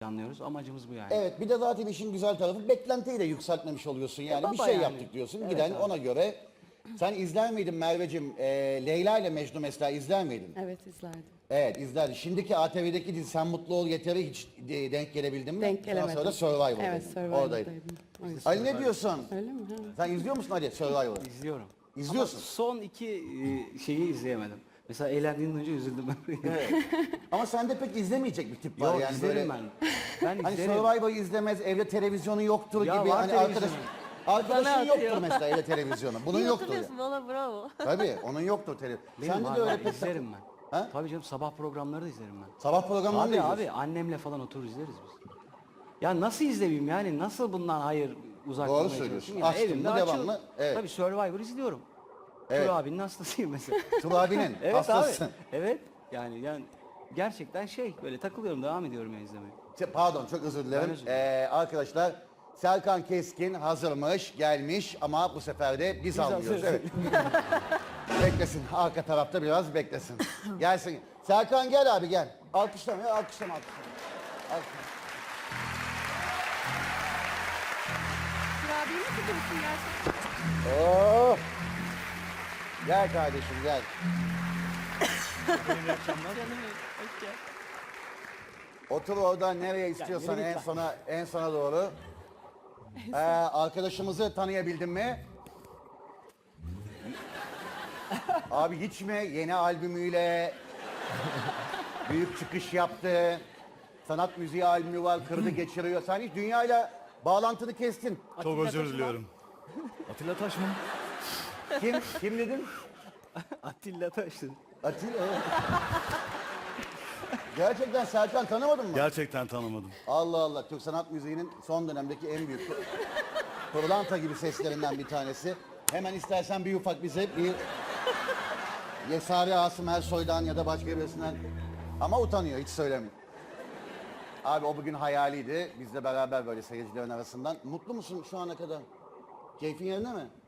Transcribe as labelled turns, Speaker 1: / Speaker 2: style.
Speaker 1: planlıyoruz. Amacımız bu yani.
Speaker 2: Evet, bir de zaten işin güzel tarafı beklentiyi de yükseltmemiş oluyorsun yani.
Speaker 1: baba
Speaker 2: Bir şey
Speaker 1: yani.
Speaker 2: yaptık diyorsun.
Speaker 1: Evet
Speaker 2: Giden
Speaker 1: abi.
Speaker 2: ona göre. Sen izler miydin Merveciğim? Leyla ile Mecnun mesela izler miydin?
Speaker 3: Evet, izlerdim.
Speaker 2: Evet, izlerdim. Şimdiki ATV'deki dizi Sen Mutlu Ol Yeter'e hiç denk gelebildin mi?
Speaker 3: Denk gelemedim.
Speaker 2: Ondan sonra Survivor'daydın.
Speaker 3: Evet, Survivor'daydım. O yüzden.
Speaker 2: Ali ne diyorsun?
Speaker 3: Öyle mi? Ha.
Speaker 2: Sen izliyor musun Ali Survivor'ı?
Speaker 1: İzliyorum.
Speaker 2: İzliyorsun.
Speaker 1: Ama son iki şeyi izleyemedim. Mesela eğlendiğinden önce üzüldüm ben.
Speaker 2: Evet. Ama sende pek izlemeyecek bir tip var
Speaker 1: Yok,
Speaker 2: yani
Speaker 1: izlerim
Speaker 2: böyle.
Speaker 1: ben. Ben
Speaker 2: Hani
Speaker 1: izlerim.
Speaker 2: Survivor'ı izlemez, evde televizyonu yoktur
Speaker 1: Ya
Speaker 2: gibi.
Speaker 1: var
Speaker 2: Hani
Speaker 1: televizyonu.
Speaker 2: arkadaşın
Speaker 3: Bana
Speaker 2: yoktur
Speaker 3: atıyor.
Speaker 2: mesela evde televizyonu. Bunun
Speaker 4: İyi
Speaker 2: yoktur ya.
Speaker 4: hatırlıyorsun valla bravo.
Speaker 2: Tabii onun yoktur televizyon.
Speaker 1: Benim
Speaker 2: Sende
Speaker 1: var,
Speaker 2: de öyle
Speaker 1: var,
Speaker 2: pek
Speaker 1: izlerim ben.
Speaker 2: Ha?
Speaker 1: Tabii canım, sabah programları da izlerim ben.
Speaker 2: Sabah programlarını da
Speaker 1: Abi
Speaker 2: izliyorsun.
Speaker 1: annemle falan oturur izleriz biz. Ya nasıl izleyeyim yani, nasıl bundan hayır uzak
Speaker 2: Doğru
Speaker 1: durmaya
Speaker 2: söylüyorsun.
Speaker 1: çalışayım?
Speaker 2: Açtın
Speaker 1: Evimde
Speaker 2: mı
Speaker 1: açıyorum.
Speaker 2: devamlı, evet.
Speaker 1: Tabii Survivor izliyorum.
Speaker 2: Evet.
Speaker 1: Tur abinin hastasıyım mesela.
Speaker 2: Tur abinin
Speaker 1: Evet
Speaker 2: hastasın.
Speaker 1: abi. Evet. Yani gerçekten böyle takılıyorum, devam ediyorum ya izlemeye.
Speaker 2: Pardon çok özür dilerim.
Speaker 1: Ben özür dilerim.
Speaker 2: Arkadaşlar Serkan Keskin hazırmış, gelmiş ama bu sefer de biz almıyoruz.
Speaker 1: hazırız.
Speaker 2: Evet. Beklesin. Arka tarafta biraz beklesin. Gelsin. Serkan gel abi gel. Alkışlama ya alkışlama. Alkışlama.
Speaker 4: Kurabiye mi tutuyorsun gerçekten?
Speaker 2: Oh. Gel kardeşim gel.
Speaker 4: Canım benim. Hoş geldin.
Speaker 2: Otur orada nereye istiyorsan
Speaker 1: yürü
Speaker 2: en
Speaker 1: git
Speaker 2: en sona doğru. Arkadaşımızı tanıyabildin mi? Abi hiç mi yeni albümüyle büyük çıkış yaptı. Sanat müziği albümü var, kırdı geçiriyor. Sen hiç dünyayla bağlantını kestin.
Speaker 5: Çok özür diliyorum. Atilla Taş mı?
Speaker 2: Kim dedin?
Speaker 1: Atilla Taş'ın.
Speaker 2: Atilla. evet. Gerçekten Serkan tanımadın mı?
Speaker 5: Gerçekten tanımadım.
Speaker 2: Allah Allah. Türk sanat müziğinin son dönemdeki en büyük pırlanta gibi seslerinden bir tanesi. Hemen istersen bir ufak bize bir Yesari Asım Ersoy'dan ya da başka birisinden ama utanıyor hiç söylemiyor. Abi o bugün hayaliydi. Bizle beraber böyle seyircilerin arasından. Mutlu musun şu ana kadar? Keyfin yerinde mi?